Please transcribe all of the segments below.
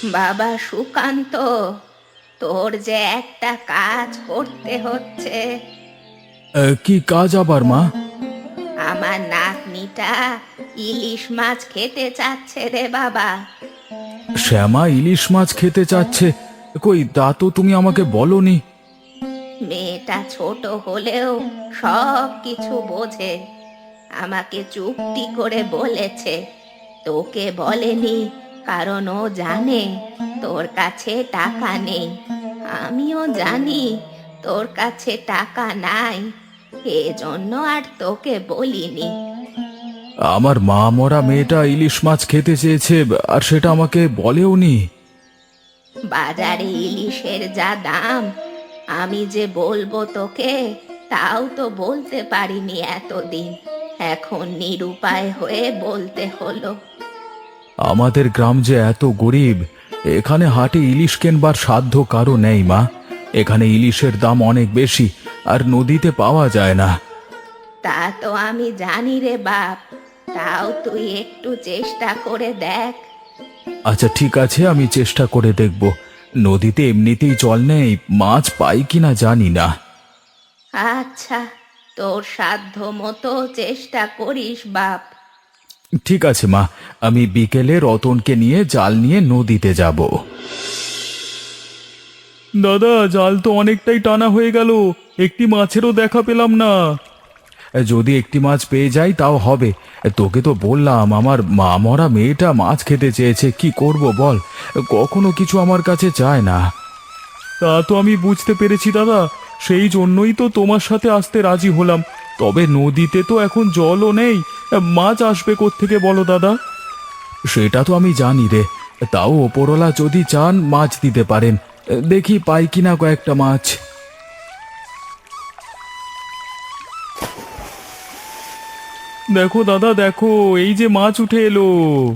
বাবা সুকান্ত, তোর যে একটা কাজ করতে হচ্ছে। কি কাজ আবার মা? আমার নাতনিটা ইলিশ মাছ খেতে চাচ্ছে রে বাবা। শ্যামা ইলিশ মাছ খেতে চাচ্ছে? কই তা তো তুমি আমাকে বলনি। মেয়েটা ছোট হলেও সব কিছু বোঝে। আমাকে চুক্তি করে বলেছে, তোকে বলেনি, কারণ ও জানে তোর কাছে টাকা নেই। আমিও জানি তোর কাছে টাকা নাই, এজন্য আর তোকে বলিনি। আমার মা মরা মেয়েটা ইলিশ মাছ খেতে চেয়েছে, আর সেটা আমাকে বলেওনি। বাজারে ইলিশের যা দাম, আমি যে বলবো তোকে তাও তো বলতে পারিনি এতদিন। এখন নিরুপায় হয়ে বলতে হলো। আমাদের গ্রাম যে এত গরিব, এখানে হাটে ইলিশ কেনবার সাধ্য কারো নেই মা। এখানে ইলিশের দাম অনেক বেশি, আর নদীতে পাওয়া যায় না। তা তো আমি জানি রে বাপ, তাও তুই একটু চেষ্টা করে দেখ। আচ্ছা ঠিক আছে, আমি চেষ্টা করে দেখব। নদীতে এমনিতেই জল নেই, মাছ পাই কিনা জানি না। আচ্ছা, তোর সাধ্য মতো চেষ্টা করিস বাপ। ঠিক আছে মা, আমি বিকেলে রতনকে নিয়ে জাল নিয়ে নদীতে যাব। দাদা, জাল তো অনেকটাই টানা হয়ে গেল, একটি মাছেরও দেখা পেলাম না। যদি একটি মাছ পেয়ে যাই তাও হবে। তোকে তো বললাম আমার মা মরা মেয়েটা মাছ খেতে চেয়েছে, কি করব বল? কখনো কিছু আমার কাছে চায় না। তা তো আমি বুঝতে পেরেছি দাদা, সেই জন্যই তো তোমার সাথে আসতে রাজি হলাম। তবে নদীতে তো এখন জলও নেই, মাছ আসবে কোত্থেকে বলো দাদা? সেটা তো আমি জানি রে, তাও ওপরওয়ালা যদি চান মাছ দিতে পারেন। দেখি পাই কিনা কয়েকটা মাছ। দেখো দাদা দেখো, এই যে মাছ উঠে এলো।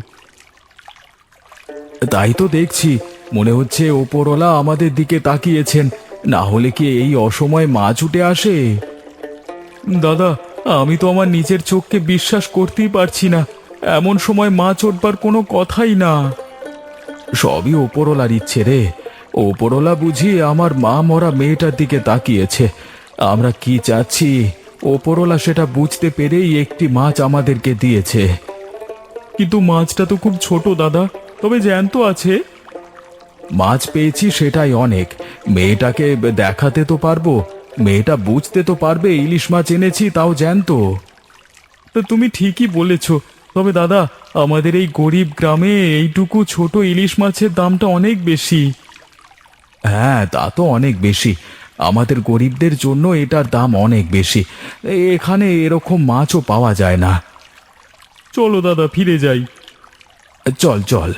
তাই তো দেখছি, মনে হচ্ছে ওপরওয়ালা আমাদের দিকে তাকিয়েছেন, না হলে কি এই অসময়ে মাছ উঠে আসে? দাদা, আমি তো আমার নিজের চোখকে বিশ্বাস করতেই পারছি না, এমন সময় মাছ উঠবার কোনো কথাই না। সবই ওপরওয়ালার ইচ্ছে রে, ওপরওয়ালা বুঝি আমার মা মরা মেয়েটার দিকে তাকিয়েছে। আমরা কি চাচ্ছি ওপরওয়ালা সেটা বুঝতে পেরেই একটি মাছ আমাদেরকে দিয়েছে। কিন্তু মাছটা তো খুব ছোট দাদা, তবে জ্যান্ত আছে। মাছ পেয়েছি সেটাই অনেক, মেয়েটাকে দেখাতে তো পারবো, মেয়েটা বুঝতে তো পারবে ইলিশ মাছ এনেছি, তাও জ্যান্ত। তা তুমি ঠিকই বলেছ, তবে দাদা আমাদের এই গরিব গ্রামে এইটুকু ছোট ইলিশ মাছের দামটা অনেক বেশি। হ্যাঁ তা তো অনেক বেশি, আমাদের গরিবদের জন্য এটার দাম অনেক বেশি। এখানে এরকম মাছও পাওয়া যায় না। চলো দাদা ফিরে যাই। চল চল।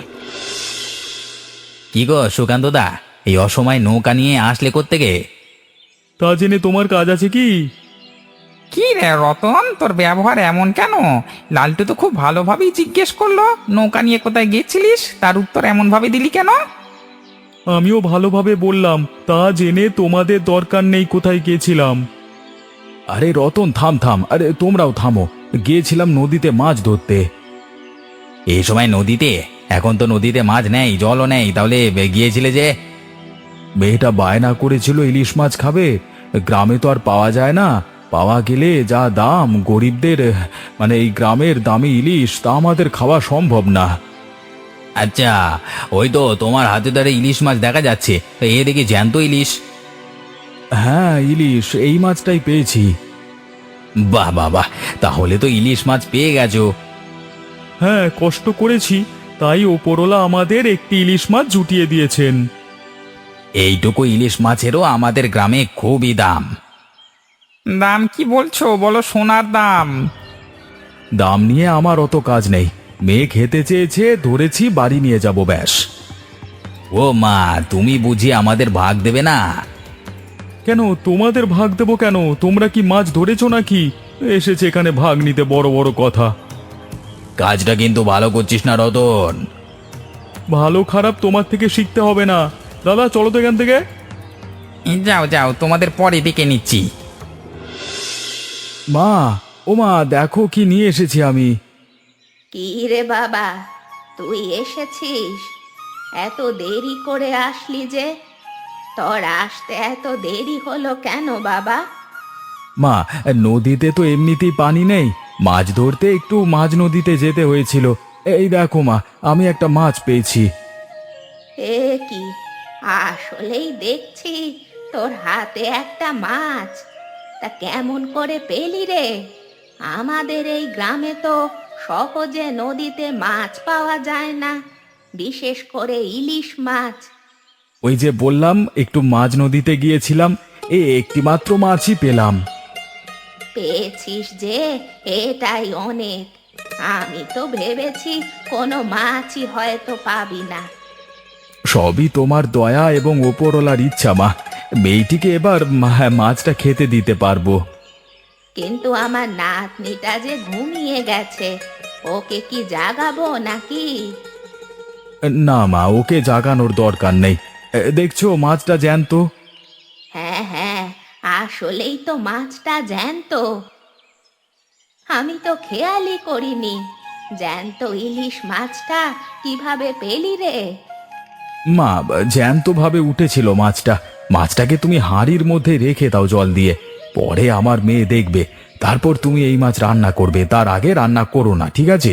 কি গো সুকান্ত দা, এই অসময় নৌকা নিয়ে আসলে কোত্থেকে? তা জেনে তোমার কাজ আছে কি? কি রে রতন, তোর ব্যবহার এমন কেন? লালটু তো খুব ভালোভাবেই জিজ্ঞেস করলো নৌকা নিয়ে কোথায় গেছিলিস, তার উত্তর এমন ভাবে দিলি কেন? আমিও ভালোভাবে বললাম, তা জেনে তোমাদের দরকার নেই কোথায় গিয়েছিলাম। আরে রতন থাম থাম, আরে তোমরাও থামো, গিয়েছিলাম নদীতে মাছ ধরতে। এই সময় নদীতে? এখন তো নদীতে মাছ নেই, জলও নেই, তাহলে গিয়েছিলে যে? মেয়েটা বায়না করেছিল ইলিশ মাছ খাবে, গ্রামে তো আর পাওয়া যায় না, পাওয়া গেলে যা দাম গরিবদের, মানে এই গ্রামের দামি ইলিশ তা আমাদের খাওয়া সম্ভব না। আচ্ছা, ওই তো তোমার হাতে ধরে ইলিশ মাছ দেখা যাচ্ছে, এ দেখি জ্যান্ত ইলিশ। হ্যাঁ ইলিশ, এই মাছটাই পেয়েছি। বাহ বাহ বাহ, তাহলে তো ইলিশ মাছ পেয়ে গেছো। হ্যাঁ কষ্ট করেছি, তাই ওপরওয়ালা আমাদের একটি ইলিশ মাছ জুটিয়ে দিয়েছেন। এইটুকু ইলিশ মাছেরও আমাদের গ্রামে খুবই দাম। দাম কি বলছো বলো, সোনার দাম। দাম নিয়ে আমার অত কাজ নেই, মেয়ে খেতে চেয়েছে ধরেছি, বাড়ি নিয়ে যাব ব্যাস। ও মা, তুমি বুঝি আমাদের ভাগ দেবে না? কেন তোমাদের ভাগ দেবো কেন? তোমরা কি মাছ ধরেছো নাকি? এসেছে এখানে ভাগ নিতে বড় বড় কথা। কাজটা কিন্তু ভালো করছিস না রতন। ভালো খারাপ তোমার থেকে শিখতে হবে না। দাদা চলো তো এখান থেকে। যাও যাও, তোমাদের পরে ডেকে নিচ্ছি। মা, ও মা দেখো কি নিয়ে এসেছি আমি। কি রে বাবা, তুই এসেছিস? এত দেরি করে আসলি যে? তোর আসতে এত দেরি হলো কেন বাবা? মা, নদীতে তো এমনিতেই পানি নেই, মাছ ধরতে একটু মাঝ নদীতে যেতে হয়েছিল। এই দেখো মা, আমি একটা মাছ পেয়েছি। এ কি, আসলেই দেখছি তোর হাতে একটা মাছ। তা কেমন করে পেলি রে? আমাদের এই গ্রামে তো সহজে নদীতে মাছ পাওয়া যায় না, বিশেষ করে ইলিশ মাছ। ওই যে বললাম, একটু মাঝ নদীতে গিয়েছিলাম, একটি মাত্র মাছই পেলাম। পেয়েছিস যে, এটাই অনেক। আমি তো ভেবেছি কোনো মাছই হয়তো পাবি না। সবই তোমার দয়া এবং ওপরওয়ালার ইচ্ছা মা। মেয়েটিকে এবার মাছটা খেতে দিতে পারবো। কিন্তু আমার নাতনিটা যে ঘুমিয়ে গেছে, ওকে কি জাগাবো নাকি? না মা, ওকে জাগানোর দরকার নেই। দেখছো মাছটা জ্যান্ত। হ্যাঁ হ্যাঁ, আসলেই তো মাছটা জ্যান্ত। আমি তো খেয়ালই করিনি। জ্যান্ত ইলিশ মাছটা কিভাবে পেলি রে? মা, জ্যান্ত ভাবে উঠেছিল মাছটা। মাছটাকে তুমি হাঁড়ির মধ্যে রেখে দাও জল দিয়ে, পরে আমার মেয়ে দেখবে, তারপর তুমি এই মাছ রান্না করবে। তার আগে রান্না করো না, ঠিক আছে?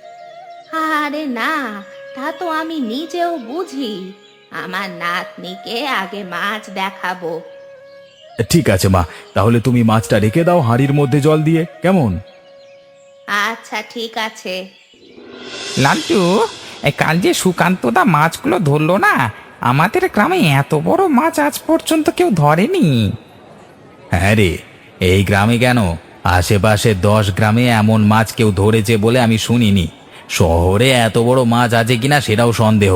আরে না, তা তো আমি নিজেও বুঝি। আমার নাতনিকে আগে মাছ দেখাবো। ঠিক আছে মা, তাহলে তুমি মাছটা রেখে দাও হাঁড়ির মধ্যে জল দিয়ে, কেমন? আচ্ছা ঠিক আছে। লালটু, কাল যে সুকান্তদা মাছগুলো ধরলো না, আমাদের গ্রামে এত বড় মাছ আজ পর্যন্ত কেউ ধরেনি। হ্যাঁ রে, এই গ্রামে কেন, আশেপাশে 10 গ্রামে এমন মাছ কেউ ধরেছে বলে আমি শুনিনি। শহরে এত বড় মাছ আছে কিনা সেটাও সন্দেহ।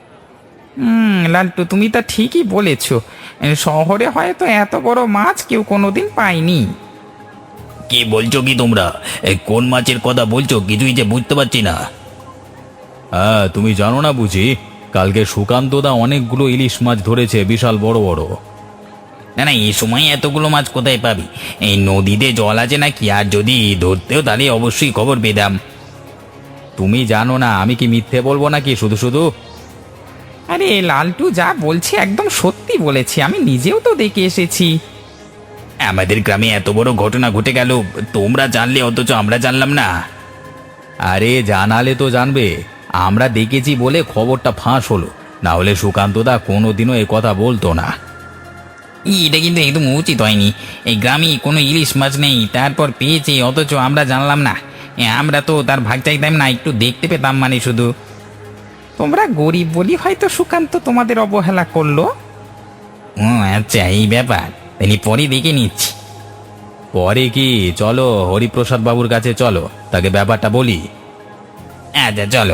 লালটু, তুমি তা ঠিকই বলেছ। শহরে হয়তো এত বড় মাছ কেউ কোনোদিন পায়নি। কি বলছো কি তোমরা? কোন মাছের কথা বলছো কিছুই যে বুঝতে পারছি না। হ্যাঁ, তুমি জানো না বুঝি? কালকে সুকান্তদা অনেকগুলো ইলিশ মাছ ধরেছে, বিশাল বড় বড়। না না, এই সময় এতগুলো মাছ কোথায় পাবি? এই নদীতে জল আছে নাকি? আর যদি ধরতেও তাহলে অবশ্যই খবর পেতাম। তুমি জানো না, আমি কি মিথ্যে বলবো নাকি শুধু শুধু? আরে লালটু যা বলছে একদম সত্যি বলেছে, আমি নিজেও তো দেখে এসেছি। আমাদের গ্রামে এত বড় ঘটনা ঘটে গেল, তোমরা জানলে অথচ আমরা জানলাম না। আরে জানালে তো জানবে, আমরা দেখেছি বলে খবরটা ফাঁস হলো, না হলে সুকান্তদা কোনোদিনও এ কথা বলতো না। এটা কিন্তু একদম উচিত হয়নি। এই গ্রামে কোনো ইলিশ মাছ নেই, তারপর পেয়েছি অথচ আমরা জানলাম না। আমরা তো তার ভাগ চাইতাম না, একটু দেখতে পেতাম মানে শুধু। তোমরা গরিব বলি হয়তো সুকান্ত তোমাদের অবহেলা করলো। ও আচ্ছা, এই ব্যাপার, তাই পরে দেখে নিচ্ছি। পরে কি, চলো হরিপ্রসাদ বাবুর কাছে চলো, তাকে ব্যাপারটা বলি। আচ্ছা চলো।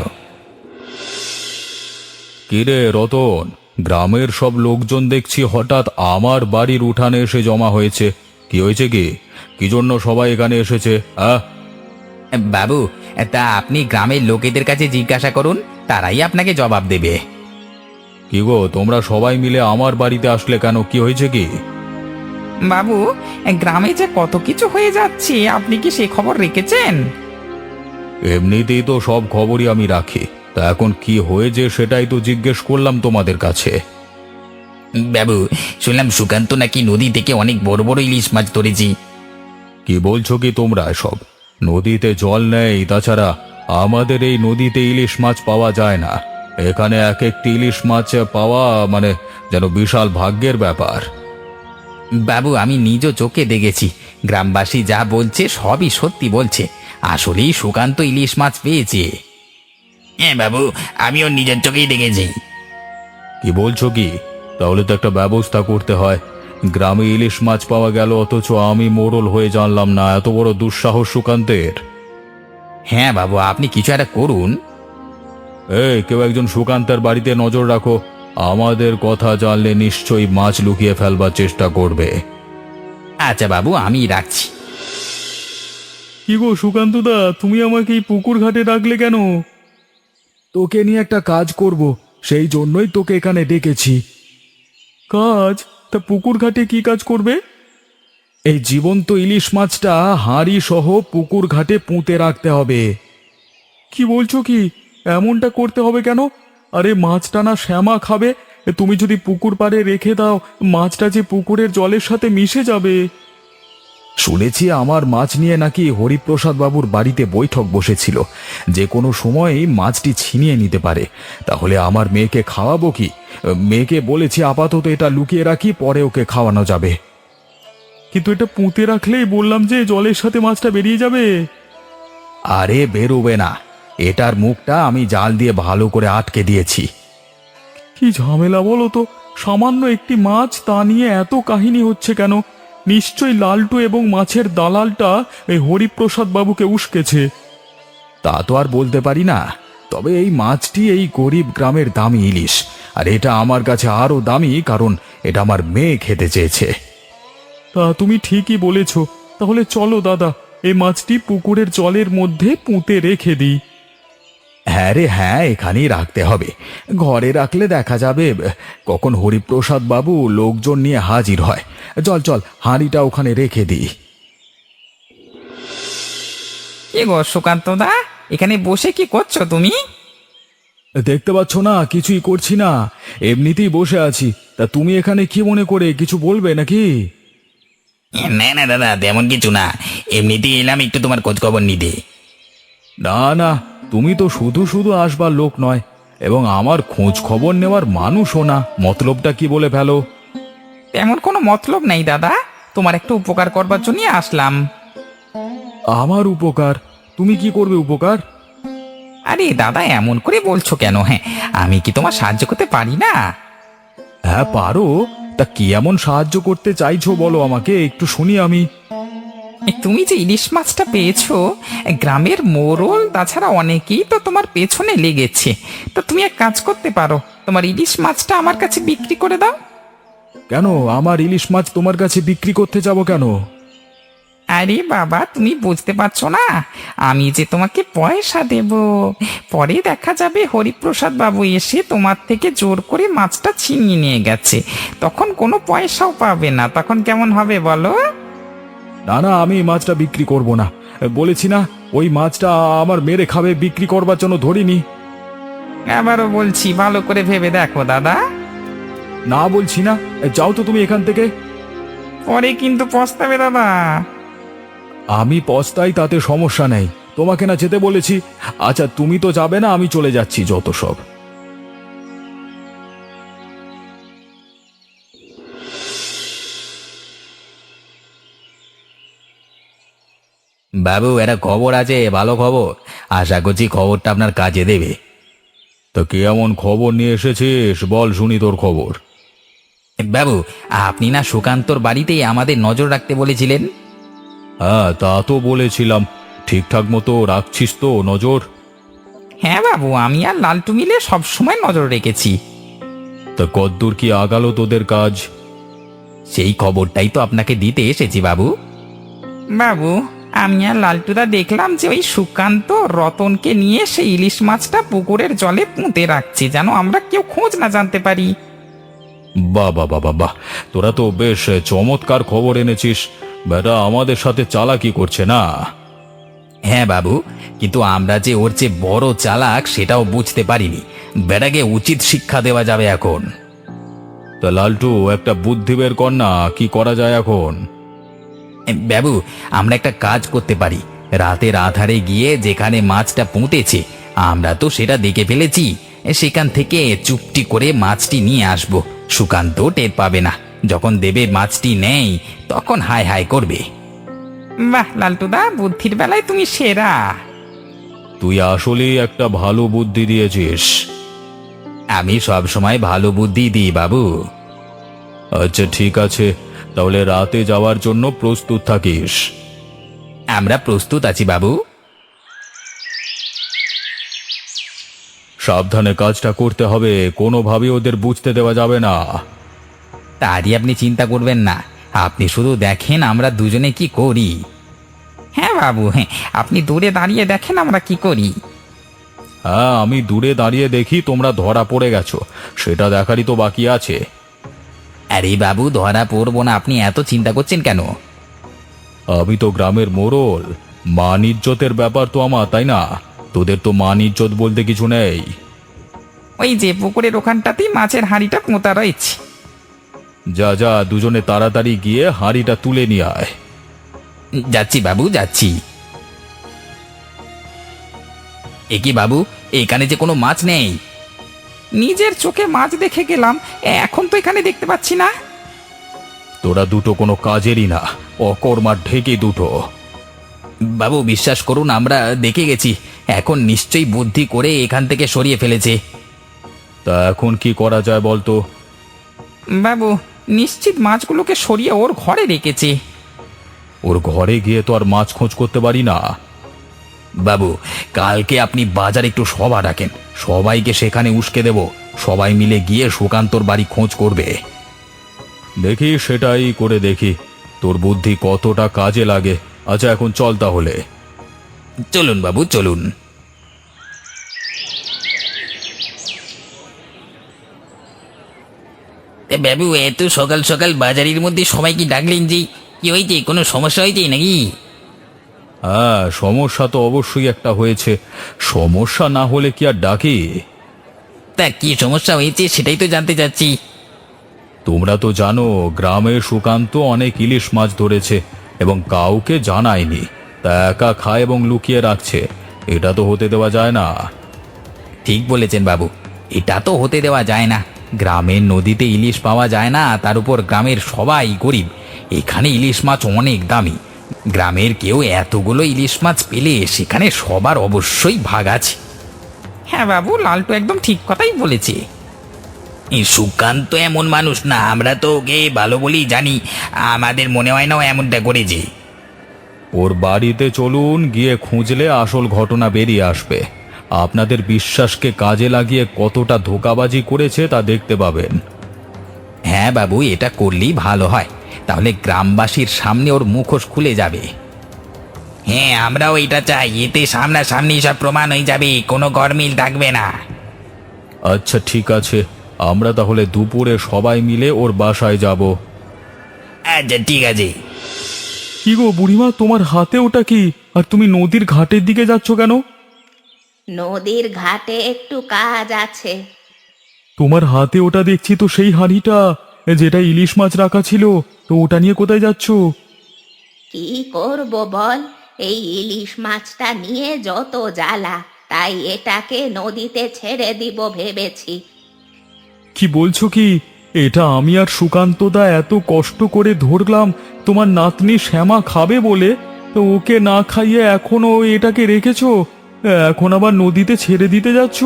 কিরে রতন, গ্রামের সব লোকজন দেখছি হঠাৎ আমার বাড়ির উঠানে এসে জমা হয়েছে। কি হয়েছে কি? কি জন্য সবাই এখানে এসেছে? বাবু, তা আপনি গ্রামের লোকেদের কাছে জিজ্ঞাসা করুন, তারাই আপনাকে জবাব দেবে। কি গো, তোমরা সবাই মিলে আমার বাড়িতে আসলে কেন? কি হয়েছে কি? বাবু, গ্রামে যে কত কিছু হয়ে যাচ্ছে, আপনি কি সে খবর রেখেছেন? এমনিতেই তো সব খবরই আমি রাখি, তা এখন কি হয়েছে সেটাই তো জিজ্ঞেস করলাম তোমাদের কাছে। বাবু, শুনলাম সুকান্ত নাকি নদী থেকে অনেক বড় বড় ইলিশ মাছ ধরেছি। কি বলছো কি তোমরা এসব? নদীতে জল নেই, তাছাড়া আমাদের এই নদীতে ইলিশ মাছ পাওয়া যায় না। এখানে এক একটি ইলিশ মাছ পাওয়া মানে যেন বিশাল ভাগ্যের ব্যাপার। বাবু, আমি নিজ চোখে দেখেছি, গ্রামবাসী যা বলছে সবই সত্যি বলছে। আসলেই সুকান্ত ইলিশ মাছ পেয়েছে। হ্যাঁ বাবু, আমিও নিজের চোখেই দেখেছি। কি বলছো কি? তাহলে তো একটা ব্যবস্থা করতে হয়। গ্রামে ইলিশ মাছ পাওয়া গেল, অথচ আমি মোড়ল হয়ে জানলাম না। এত বড় দুঃসাহস সুকান্তের! হ্যাঁ বাবু, আপনি কিছু একটা করুন। কেউ একজন সুকান্তের বাড়িতে নজর রাখো। আমাদের কথা জানলে নিশ্চয়ই মাছ লুকিয়ে ফেলবার চেষ্টা করবে। আচ্ছা বাবু, আমি রাখছি। কি গো সুকান্তদা, তুমি আমাকে এই পুকুর ঘাটে ডাকলে কেন? তোকে নিয়ে একটা কাজ করব, সেই জন্যই তোকে এখানে ডেকেছি। কাজ? তা পুকুর ঘাটে কি কাজ করবে? এই জীবন্ত ইলিশ মাছটা হাঁড়ি সহ পুকুর ঘাটে পুঁতে রাখতে হবে। কি বলছো কি? এমনটা করতে হবে কেন? আরে মাছটা না শ্যামা খাবে। তুমি যদি পুকুর পাড়ে রেখে দাও, মাছটা যে পুকুরের জলের সাথে মিশে যাবে। শুনেছি আমার মাছ নিয়ে নাকি হরিপ্রসাদ বাবুর বাড়িতে বৈঠক বসেছিল, যে কোনো সময়ই মাছটি ছিনিয়ে নিতে পারে। তাহলে আমার মেয়েকে খাওয়াবো কি? মেয়েকে বলেছি আপাতত এটা লুকিয়ে রাখি, পরে ওকে খাওয়ানো যাবে। কিন্তু এটা পুঁতে রাখলেই বললাম যে জলের সাথে মাছটা বেরিয়ে যাবে। আরে বেরোবে না, এটার মুখটা আমি জাল দিয়ে ভালো করে আটকে দিয়েছি। কি ঝামেলা বলো তো, সামান্য একটি মাছ, তা নিয়ে এত কাহিনী হচ্ছে কেন? নিশ্চয়ই লালটু এবং মাছের দালালটা এই হরিপ্রসাদ বাবুকে উস্কেছে। তা তো আর বলতে পারি না, তবে এই মাছটি এই গরিব গ্রামের দামি ইলিশ, আর এটা আমার কাছে আরো দামি, কারণ এটা আমার মেয়ে খেতে চেয়েছে। তা তুমি ঠিকই বলেছ, তাহলে চলো দাদা, এই মাছটি পুকুরের জলের মধ্যে পুঁতে রেখে দিই। হ্যাঁ রে হ্যাঁ, এখানেই রাখতে হবে। ঘরে রাখলে দেখা যাবে কখন হরিপ্রসাদ বাবু লোকজন নিয়ে হাজির হয়। চল চল, হাঁড়িটা ওখানে রেখে দিই। কি গো সুকান্ত দা, এখানে বসে কি করছো তুমি? দেখতে পাচ্ছ না, কিছুই করছি না, এমনিতেই বসে আছি। তা তুমি এখানে কি মনে করে কিছু বলবে নাকি? না না দাদা, তেমন কিছু না, এমনিতেই এলাম একটু তোমার খোঁজ খবর নিতে। না না, তুমি তো শুধু শুধু আসবার লোক নয়, এবং আমার খোঁজ খবর নেওয়ার মানুষও না। মতলবটা কি বলে ফেলো? তেমন কোনো মতলব নেই দাদা, তোমার একটু উপকার করবার জন্য আসলাম। আমার উপকার? তুমি কি করবে উপকার? আরে দাদা, এমন করে বলছো কেন? হ্যাঁ, আমি কি তোমার সাহায্য করতে পারি না? হ্যাঁ পারো, তা কি এমন সাহায্য করতে চাইছো বলো আমাকে, একটু শুনি আমি। তুমি যে ইলিশ মাছটা পেয়েছো, গ্রামের মোড়ল তাছাড়া অনেকেই তো তোমার পেছনে লেগেছে। তো তুমি এক কাজ করতে পারো, তোমার ইলিশ মাছটা আমার কাছে বিক্রি করে দাও। কেন আমার ইলিশ মাছ তোমার কাছে বিক্রি করতে যাব কেন? আরে বাবা, তুমি বুঝতে পারছো না, আমি যে তোমাকে পয়সা দেব। পরে দেখা যাবে হরিপ্রসাদ বাবু এসে তোমার থেকে জোর করে মাছটা ছিনিয়ে নিয়ে গেছে, তখন কোনো পয়সাও পাবে না। তখন কেমন হবে বলো? না না, আমি মাছটা বিক্রি করব না, বলেছি না। ওই মাছটা আমার মেরে খাবে, বিক্রি করবার জন্য ধরিনি। আবারও বলছি, ভালো করে ভেবে দেখো দাদা। না বলছি না, যাও তো তুমি এখান থেকে। পরে কিন্তু পস্তাবে দাদা। আমি পস্তাই, তাতে সমস্যা নেই, তোমাকে না যেতে বলেছি। আচ্ছা তুমি তো যাবে না, আমি চলে যাচ্ছি, যত সব। বাবু, একটা খবর আছে, ভালো খবর। আশা করছি খবরটা আপনার কাজে দেবে। তো কি এমন খবর নিয়ে এসেছিস, বল শুনি তোর খবর। বাবু, আপনি না সুকান্তর বাড়িতেই আমাদের নজর রাখতে বলেছিলেন? হ্যাঁ তা তো বলেছিলাম, ঠিকঠাক মতো রাখছিস তো নজর? হ্যাঁ বাবু, আমি আর লালটু মিলে সবসময় নজর রেখেছি। তা কদ্দূর কি আগালো তোদের কাজ? সেই খবরটাই তো আপনাকে দিতে এসেছি বাবু। বাবু, আমি আর লালটুদা দেখলাম যে ওই সুকান্ত রতনকে নিয়ে সেই ইলিশ মাছটা পুকুরের জলে পুঁতে রাখছে, যেন আমরা কেউ খোঁজ না জানতে পারি। বাহ বাহ বাহ বাহ, তোরা তো বেশ চমৎকার খবর এনেছিস। বেটা আমাদের সাথে চালাকি করছে না? হ্যাঁ বাবু, কিন্তু আমরা যে ওর চেয়ে বড় চালাক সেটাও বুঝতে পারিনি। বেটাকে উচিত শিক্ষা দেওয়া যাবে এখন। তা লালটু, একটা বুদ্ধি বের কর না, কি করা যায় এখন? বাবু, আমরা একটা কাজ করতে পারি। রাতের আধারে গিয়ে যেখানে মাছটা পুঁতেছে, আমরা তো সেটা দেখে ফেলেছি, সেখান থেকে চুপটি করে মাছটি নিয়ে আসব। সুকান্ত টের পাবে না। যখন দেবে মাছটি নেই, তখন হায় হায় করবে। বাহ লালটুদা, বুদ্ধির বেলায় তুমি সেরা। তুই আসলেই একটা ভালো বুদ্ধি দিয়েছিস। আমি সব সময় ভালো বুদ্ধি দিই বাবু। আচ্ছা ঠিক আছে, তাহলে রাতে যাওয়ার জন্য প্রস্তুত থাকিস। আমরা প্রস্তুত আছি বাবু। সাবধানে কাজটা করতে হবে, কোনোভাবে ওদের বুঝতে দেওয়া যাবে না। তারই আপনি চিন্তা করবেন না, আপনি শুধু দেখেন আমরা দুজনে কি করি। হ্যাঁ বাবু, হ্যাঁ, আপনি দূরে দাঁড়িয়ে দেখেন আমরা কি করি। হ্যাঁ, আমি দূরে দাঁড়িয়ে দেখি তোমরা ধরা পড়ে গেছো, সেটা দেখারই তো বাকি আছে। আরে বাবু, ধরা পড়বো না, আপনি এত চিন্তা করছেন কেন? আমি তো গ্রামের মোড়ল, মান ইজ্জতের ব্যাপার তো আমার, তাই না? তোদের তো মান ইজ্জত বলতে কিছু নেই। ওই যে পুকুরের ওখানটাতেই মাছের হাঁড়িটা পোঁতা রয়েছে। যা যা, দুজনে তাড়াতাড়ি গিয়ে হাঁড়িটা তুলে নিয়ে আয়। যাচ্ছি বাবু, যাচ্ছি। এ কি বাবু, এখানে যে কোনো মাছ নেই। নিজের চোখে মাছ দেখে গেলাম, এখন তো এখানে দেখতে পাচ্ছি না। তোরা দুটো কোনো কাজেরই না, অকর্মার ঢেকে দুটো। বাবু বিশ্বাস করুন, আমরা দেখে গেছি, এখন নিশ্চয়ই বুদ্ধি করে এখান থেকে সরিয়ে ফেলেছে। তা এখন কি করা যায় বলতো? বাবু, নিশ্চিত মাছগুলোকে সরিয়ে ওর ঘরে রেখেছে। ওর ঘরে গিয়ে তো আর মাছ খোঁজ করতে পারি না। বাবু, কালকে আপনি বাজারে একটু সভা ডাকেন, সবাইকে সেখানে উস্কে দেব, সবাই মিলে গিয়ে সুকান্তর বাড়ি খোঁজ করবে। দেখি, সেটাই করে দেখি তোর বুদ্ধি কতটা কাজে লাগে। আচ্ছা, এখন চল তাহলে। চলুন বাবু, চলুন। বাবু, এত সকাল সকাল বাজারের মধ্যে সবাইকে ডাকলেন যে, কি হয়েছে? কোনো সমস্যা হয়েছে নাকি? হ্যাঁ, সমস্যা তো অবশ্যই একটা হয়েছে। সমস্যা না হলে কি আর ডাকি? তা কি সমস্যা হয়েছে সেটাই তো জানতে চাচ্ছি। তোমরা তো জানো গ্রামে সুকান্ত অনেক ইলিশ মাছ ধরেছে এবং কাউকে জানায়নি, তা একা খায় এবং লুকিয়ে রাখছে। এটা তো হতে দেওয়া যায় না। ঠিক বলেছেন বাবু, এটা তো হতে দেওয়া যায় না। গ্রামের নদীতে ইলিশ পাওয়া যায় না, তার উপর গ্রামের সবাই গরিব। এখানে ইলিশ মাছ অনেক দামি। গ্রামের কেউ এতগুলো ইলিশ মাছ পেলে সেখানে সবার অবশ্যই ভাগ আছে। হ্যাঁ বাবু, লালটু একদম ঠিক কথাই বলেছে। এই সুকান্ত এমন মানুষ না, আমরা তো ওকে ভালো বলেই জানি। আমাদের মনে হয় না ও এমনটা করেছে। ওর বাড়িতে চলুন, গিয়ে খুঁজলে আসল ঘটনা বেরিয়ে আসবে। আপনাদের বিশ্বাসকে কাজে লাগিয়ে কতটা ধোঁকাবাজি করেছে তা দেখতে পাবেন। হ্যাঁ বাবু, এটা করলেই ভালো হয়, তাহলে গ্রামবাসীর সামনে ওর মুখোশ খুলে যাবে। হ্যাঁ, আমরাও এটা চাই, এতে সামনাসামনি সব প্রমাণ হয়ে যাবে, কোনো গরমিল থাকবে না। আচ্ছা ঠিক আছে, আমরা তাহলে দুপুরে সবাই মিলে ওর বাসায় যাব। আচ্ছা ঠিক আছে। কি গো বুড়িমা, তোমার হাতে ওটা কি? আর তুমি নদীর ঘাটের দিকে যাচ্ছ কেন? নদীর ঘাটে একটু কাজ আছে। তোমার হাতে ওটা দেখছি তো সেই হাঁড়িটা, যেটা ইলিশ মাছ রাখা ছিল। তো ওটা নিয়ে কোথায় যাচ্ছ? কি করব বল, এই ইলিশ মাছটা নিয়ে যত জ্বালা, তাই এটাকে নদীতে ছেড়ে দিব ভেবেছি। কি বলছো কি? এটা আমি আর সুকান্তদা এত কষ্ট করে ধরলাম তোমার নাতনি শ্যামা খাবে বলে, তো ওকে না খাইয়ে এখনো এটাকে রেখেছো, এখন আবার নদীতে ছেড়ে দিতে যাচ্ছ?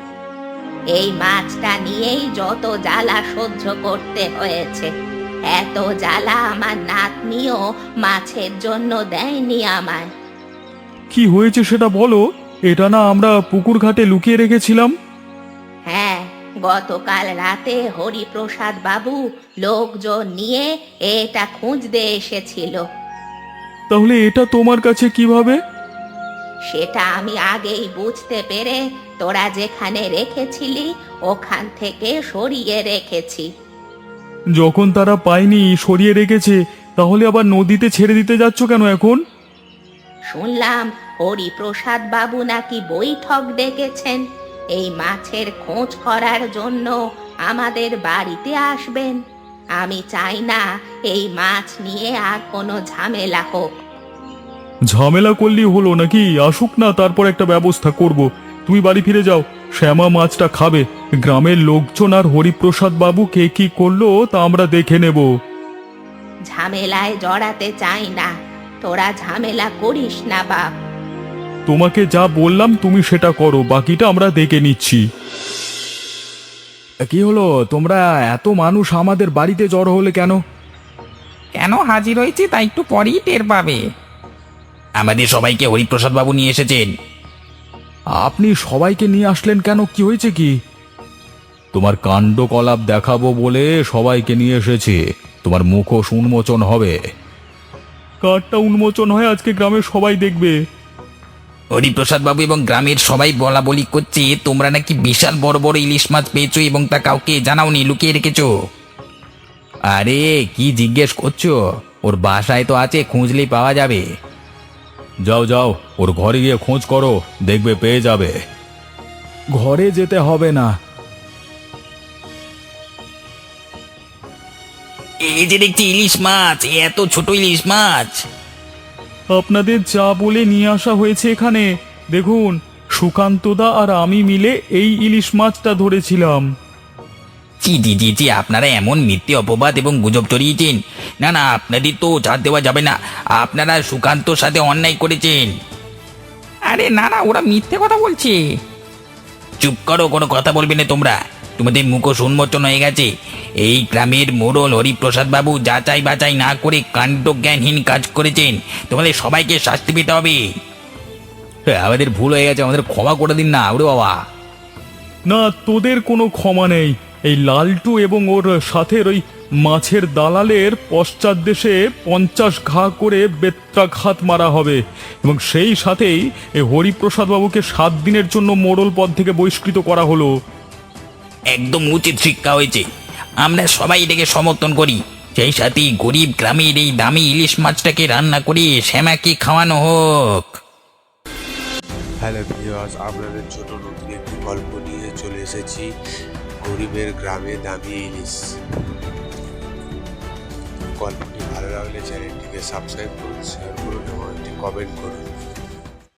এই মাছটা নিয়েই যত জ্বালা সহ্য করতে হয়েছে। এত জ্বালা আমার নাতনিও মাছের জন্য দেয়নি আমায়। কি হয়েছে সেটা বলো। এটা না আমরা পুকুর ঘাটে লুকিয়ে রেখেছিলাম। হ্যাঁ, গতকাল রাতে হরিপ্রসাদ বাবু লোকজন নিয়ে এটা খুঁজতে এসেছিল। তাহলে এটা তোমার কাছে কিভাবে? সেটা আমি আগেই বুঝতে পেরে তোরা যেখানে রেখেছিলি ওখান থেকে সরিয়ে রেখেছি। যখন তারা পায়নি, সরিয়ে রেখেছে, তাহলে আবার নদীতে ছেড়ে দিতে যাচ্ছ কেন এখন? শুনলাম হরিপ্রসাদ বাবু নাকি বৈঠক ডেকেছেন, এই মাছের খোঁজ করার জন্য আমাদের বাড়িতে আসবেন। আমি চাই না এই মাছ নিয়ে আর কোনো ঝামেলা হোক। ঝামেলা করলেই হলো নাকি? আসুক না, তারপর একটা ব্যবস্থা করব। তুমি বাড়ি ফিরে যাও, শ্যামা মাছটা খাবে। গ্রামের লোকজন আর হরিপ্রসাদ বাবু কে কি করলো তা আমরা দেখে নেব। ঝামেলায় জড়াতে চাই না, তোরা ঝামেলা করিস না বাপ। তোমাকে যা বললাম তুমি সেটা করো, বাকিটা আমরা দেখে নিচ্ছি। কি হলো, তোমরা এত মানুষ আমাদের বাড়িতে জড়ো হলে কেন? কেন হাজির হয়েছি তা একটু পরেই টের পাবে। আমাদের সবাইকে হরিপ্রসাদ বাবু নিয়ে এসেছেন। আপনি সবাইকে নিয়ে আসলেন কেন? কি হয়েছে কি? তোমার কাণ্ডকলাপ দেখাবো বলে সবাইকে নিয়ে এসেছি। তোমার মুখোশ উন্মোচন হবে। কার্ডটা উন্মোচন হয় আজকে গ্রামের সবাই দেখবে। হরিপ্রসাদ বাবু এবং গ্রামের সবাই বলা বলি করছে তোমরা নাকি বিশাল বড় বড় ইলিশ মাছ পেয়েছো এবং তা কাউকে জানাওনি, লুকিয়ে রেখেছো। আরে কি জিজ্ঞেস করছো? ওর বাসায় তো আছে, খুঁজলেই পাওয়া যাবে। যাও যাও, ওর ঘরে গিয়ে খোঁজ করো, দেখবে পেয়ে যাবে। ঘরে যেতে হবে না, এই যে দেখছি ইলিশ মাছ, এত ছোট ইলিশ মাছ। আপনাদের যা বলে নিয়ে আসা হয়েছে এখানে, দেখুন সুকান্তদা আর আমি মিলে এই ইলিশ মাছটা ধরেছিলাম। জি জি জি জি, আপনারা এমন মিথ্যে অপবাদ এবং গুজব ছড়িয়েছেন। না না, আপনাদের তো ছাড় দেওয়া যাবে না, আপনারা সুকান্তর সাথে অন্যায় করেছেন। আরে না না, ওরা মিথ্যে কথা বলছে। চুপ করো, কোনো কথা বলবে না তোমরা। তোমাদের মুখোশ উন্মোচন হয়ে গেছে। এই গ্রামের মোড়ল হরিপ্রসাদ বাবু যাচাই বাছাই না করে কাণ্ড জ্ঞানহীন কাজ করেছেন। তোমাদের সবাইকে শাস্তি পেতে হবে। আমাদের ভুল হয়ে গেছে, আমাদের ক্ষমা করে দিন না। ওরে বাবা! না, তোদের কোনো ক্ষমা নেই। এই লালটু এবং ওর সাথের ওই মাছের দালালের পশ্চাৎদেশে 50 ঘা করে বেত্রাঘাত মারা হবে, এবং সেই সাথেই এই হরিপ্রসাদ বাবুকে 7 দিনের জন্য মোড়ল পদ থেকে বহিষ্কৃত করা হলো। একদম উচিত শিক্ষা হয়েছে, আমরা সবাই এটাকে সমর্থন করি। সেই সাথে গরিব গ্রামের এই দামি ইলিশ মাছটাকে রান্না করে শ্যামাকে খাওয়ানো হোক। হ্যালো ভিউয়ার্স, আপনাদের জন্য নতুন একটি গল্প নিয়ে চলে এসেছি, গরিবের গ্রামে দামি ইলিশ। গল্পটি ভালো লাগলে চ্যানেলটিকে সাবস্ক্রাইব করুন, শেয়ার করুন এবং একটি কমেন্ট করুন।